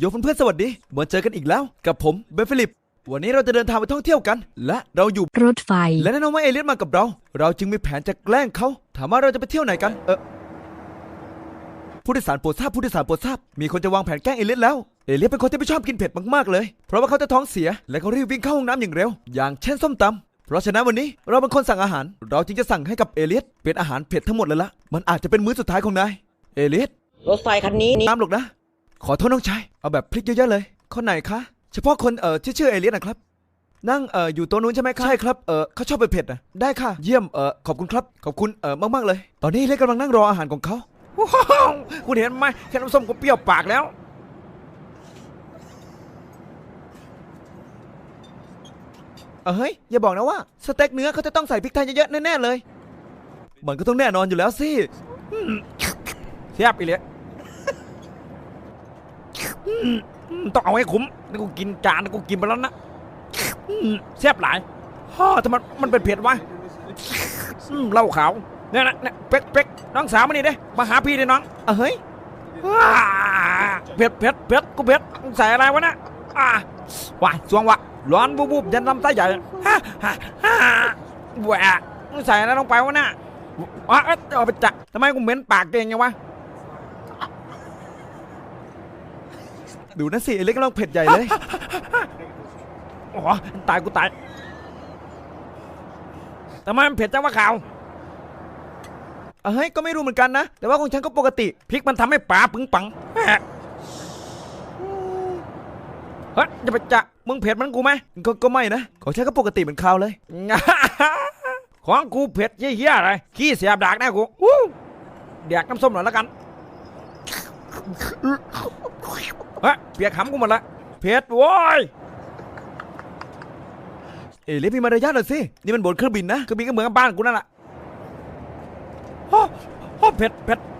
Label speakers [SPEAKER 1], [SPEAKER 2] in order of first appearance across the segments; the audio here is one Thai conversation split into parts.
[SPEAKER 1] เพื่อนๆสวัสดีมาเจอกันอีกแล้วกับผมเบนฟิลิปวันนี้เราจะเดินทางไปท่องเที่ยวกันและเราอยู่
[SPEAKER 2] รถไฟ
[SPEAKER 1] และแน่นอนว่าเอเลียสมากับเราจึงมีแผนจะแกล้งเขาถามว่าเราจะไปเที่ยวไหนกันผู้โดยสารโปรดทราบมีคนจะวางแผนแกล้งเอเลียสแล้วเอเลียสเป็นคนที่ไม่ชอบกินเผ็ดมากๆเลยเพราะว่าเขาจะท้องเสียและเขารีบวิ่งเข้าห้องน้ำอย่างเร็วอย่างเช่นส้มตำเพราะฉะนั้นวันนี้เราเป็นคนสั่งอาหารเราจึงจะสั่งให้กับเอเลียสเป็นอาหารเผ็ดทั้งหมดเลยละมันอาจจะเป็นมื้อสุดท้ายของนายเอเลียส
[SPEAKER 3] รถไฟคันนี้
[SPEAKER 1] น้ำหรอกนะขอโทษน้องชายเอาแบบพริกเยอะๆเลยคนไหนคะเฉพาะคนที่ชื่อเอเลียสนะครับนั่งอยู่โต๊ะนู้นใช่ไหมครับใช่ครับเขาชอบเผ็ดนะได้ค่ะเยี่ยมขอบคุณครับขอบคุณมากๆเลยตอนนี้เอเลียสกำลังนั่งรออาหารของเขา
[SPEAKER 4] คุณเห็นไหมแค่น้ำส้มก็เปรี้ยวปากแล้ว
[SPEAKER 1] เฮ้ยอย่าบอกนะว่าสเต็กเนื้อเขาจะต้องใส่พริกไทยเยอะๆแน่ๆเลยมันก็ต้องแน่นอนอยู่แล้วสิ
[SPEAKER 4] เทียบอีเลยต้องเอาให้คุ้มนี่กูกินจานนี่กูกินไปแล้วนะแซ่บหลายทำไมมันเป็นเผ็ดวะเหล้าขาวเนี่ยนะเนี่ยเป๊กน้องสาวมานี่เด้มาหาพี่ดิน้อง
[SPEAKER 1] เฮ้ย
[SPEAKER 4] เผ็ดกูเผ็ดใส่อะไรวะนะว้ายสวงวะร้อนบูบยันลำไส้ใหญ่แหวะใส่อะไรลงไปวะน่ะเอาไปจับทำไมกูเหม็นปากเก่งไงวะ
[SPEAKER 1] ดูนะสิเอเลียสกำลังเผ็ดใหญ่เลย
[SPEAKER 4] โอ้ตายกูตายทำไมมันเผ็ดจังวะข่าว
[SPEAKER 1] เฮ้ยก็ไม่รู้เหมือนกันนะแต่ว่าของฉันก็ปกติ
[SPEAKER 4] พริกมันทำให้ปลาปึงปังเฮ้ยจะไปจะมึงเผ็ดมันกูไหม
[SPEAKER 1] ก็ไม่นะของฉันก็ปกติเหมือนข้าวเลย
[SPEAKER 4] ของกูเผ็ดเหี้ยอะไรขี้เสียบดากแน่กูเด็กน้ำส้มหน่อยแล้วกันเฮ้ยเปียกขำกูหมดละเผ็ดโว้ย
[SPEAKER 1] เอเลียสมีมารยาทหน่อยสินี่มันบนเครื่องบินนะ
[SPEAKER 4] เครื่องบินก็เหมือนกับบ้านกูนั่นแหละเผ็ด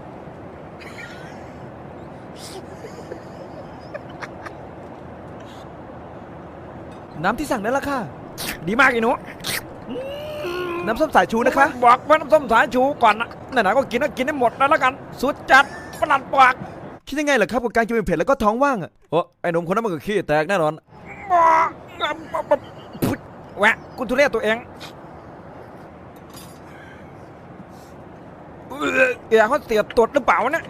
[SPEAKER 1] น้ำที่สั่งนั่นละค่ะ
[SPEAKER 4] ดีมากอีหนู
[SPEAKER 1] น้ำส้มสายชูนะคะ
[SPEAKER 4] บอกว่าน้ำส้มสายชูก่อนนะไหนๆก็กินได้หมดแล้วกันสุดจัดประหลัดปาก
[SPEAKER 1] คิดยังไงล่ะครับกับการกินเผ็ดแล้วก็ท้องว่าง
[SPEAKER 4] ไอ้หนุ่มคนนั้นมันก็ขี้แตกแน่นอนแหวะกูทุเรศตัวเองเขาเสียตรวจหรือเปล่าเนี่ย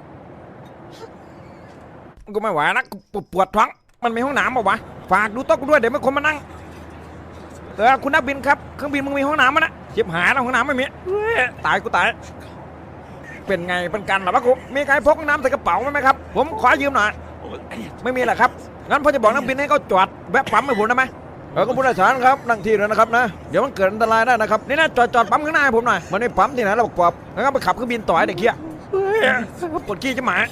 [SPEAKER 4] กูไม่ไหวนะกูปวดท้องมันมีห้องน้ำป่าวะฝากดูโต๊ะกูด้วยเดี๋ยวไม่คนมานั่งคุณนักบินครับเครื่องบินมึงมีห้องน้ำมั้ยนะเจ็บหาแล้วห้องน้ำไม่มีตายกูตายเป็นไงเป็นกันหรอวะกูมีใครพกน้ำใส่กระเป๋าไหมครับผมขอยืมหน่อยไม่มีแหละครับงั้นพ่อจะบอกนักบินให้เขาจอดแวะปั๊มให้ผมได้ไหมก็ผู้โดยสารครับนั่งที่เลยนะครับนะเดี๋ยวมันเกิดอันตรายได้นะครับนี่นะจอดปั๊มข้างหน้าให้ผมหน่อยมันไม่ปั๊มที่ไหนเราบอกปอบงั้นไปขับเครื่องบินต่อให้เด็กเขี้ยปวดขี้จะหมา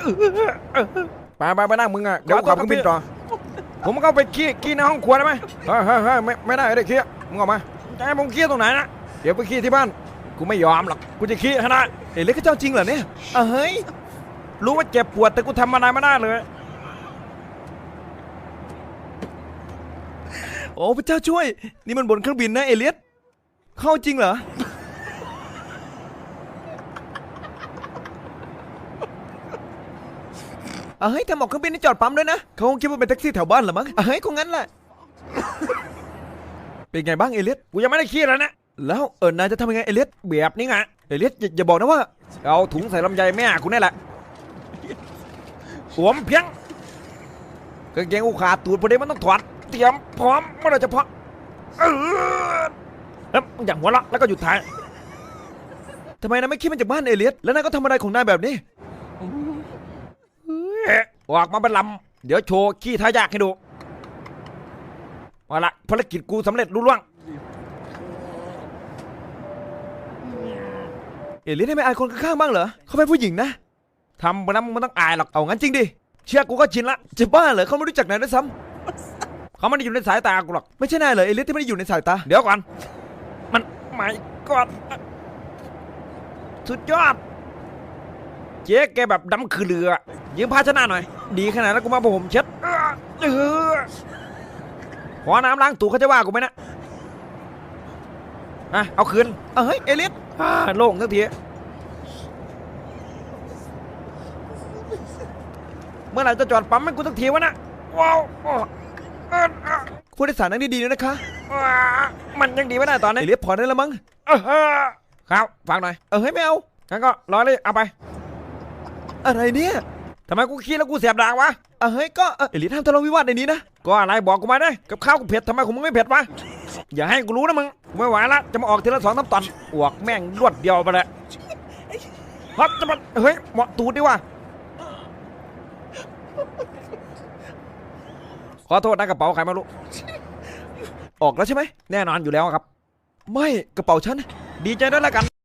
[SPEAKER 4] ไปนั่งมึงอ่ะเดี๋ยวขับเครื่องบินต่อผมก็ไปขี้ในห้องครัวได้ไหมไม่ได้เด็กเขี้ยมึงออกมาจะให้ผมขี้ตรงไหนนะเดี๋ยวไปขี้ที่บ้านกูไม่ยอมหรอกกูจะขี้ขนาด
[SPEAKER 1] เอเลียสก็เจ้าจริงเหรอเนี่ย
[SPEAKER 4] เฮ้ยรู้ว่าเจ็บปวดแต่กูทำอะไรไม่ได้เลย
[SPEAKER 1] โอ้พระเจ้าช่วยนี่มันบนเครื่องบินนะเอเลียสเข้าจริงเหรอเฮ้ยทำออกเครื่องบินนี่จอดปั๊มด้วยนะเขาคงคิดว่าเป็นแท็กซี่แถวบ้านเหรอมั้งเฮ้ยคงงั้นแหละเป็นไงบ้างเอเลียส
[SPEAKER 4] กูยังไม่ได้ขี้แล้วนะ
[SPEAKER 1] แล้วนายจะทำยังไงเอเลียส
[SPEAKER 4] แบบนี้ไง
[SPEAKER 1] เอเลียสอย่าบอกนะว่า
[SPEAKER 4] เอาถุงใส่ลำไยแม่กูนี่แหละสวมเพียงกางเกงกูขาดตูดพอดีมันต้องถอดเตรียมพร้อมเมื่อไรจะพอแล้วอย่างหัวละแล้วก็หยุดถ่าย
[SPEAKER 1] ทำไมนายไม่คิดมันจากบ้านเอเลียสแล้วนายก็ทำอะไรของนายแบบนี้
[SPEAKER 4] ออกมาเป็นลำเดี๋ยวโชว์ขี้ท้ายากให้ดูเอาละภารกิจกูสำเร็จรุ่ล่วง
[SPEAKER 1] เอเลียสได้ไม่อายคนข้างๆบ้างเหรอเขาเป็นผู้หญิงนะ
[SPEAKER 4] ทำไปแล้วมันต้องอายหรอก
[SPEAKER 1] เอางั้นจริงดิ
[SPEAKER 4] เชื่อกูก็ชินละ
[SPEAKER 1] จะบ้าเหรอเขาไม่รู้จักนายด้วยซ้
[SPEAKER 4] ำเขาไม่ได้อยู่ในสายตากูหรอก
[SPEAKER 1] ไม่ใช่นายเหรอเอเลียสที่ไม่ได้อยู่ในสายตา
[SPEAKER 4] เดี๋ยวก่อนมันไม่ก่อนสุดยอดเจ๊แกแบบดำคือเรือยืมภาชนะหน่อยดีขนาดนั้นกูมาผมเช็ดขอน้ำล้างตูเขาจะว่ากูไหมนะเอาคืน
[SPEAKER 1] เฮ้ยเอเลียส
[SPEAKER 4] โล่งทันทีเมื่อไหร่จะจอดปั๊มให้กูสักทีวะนะว้าว
[SPEAKER 1] ผู้โดยสารนั่งดีๆด้วยนะคะ
[SPEAKER 4] มันยังดีไม่ได้ตอน
[SPEAKER 1] เอ
[SPEAKER 4] นี้
[SPEAKER 1] เลียสพอได้แล้วมั้ง
[SPEAKER 4] ครับฟังหน่อย
[SPEAKER 1] เฮ้ยไม่เอา
[SPEAKER 4] งั้นก็รอเลยเอาไป
[SPEAKER 1] อะไรเนี่ย
[SPEAKER 4] ทำไมกูขี้แล้วกูเสียบดากวะ
[SPEAKER 1] เฮ้ยก็เอเลียสห้ามทะเลาะวิวาทในนี้นะ
[SPEAKER 4] ก็อะไรบอกกูมาได้กับข้าวกูเผ็ดทำไมของมึงไม่เผ็ดวะอย่าให้กูรู้นะมึงกูไม่ไหวละจะมาออกทีละ2-3 ตอนอวกแม่งรวดเดียวไปเลยครับจะมาเฮ้ยเหมาะตูดดิวะขอโทษนะกระเป๋าใครไม่รู้
[SPEAKER 1] ออกแล้วใช่ไหม
[SPEAKER 4] แน่นอนอยู่แล้วครับ
[SPEAKER 1] ไม่กระเป๋าฉัน
[SPEAKER 4] ดีใจด้วยแล้วกัน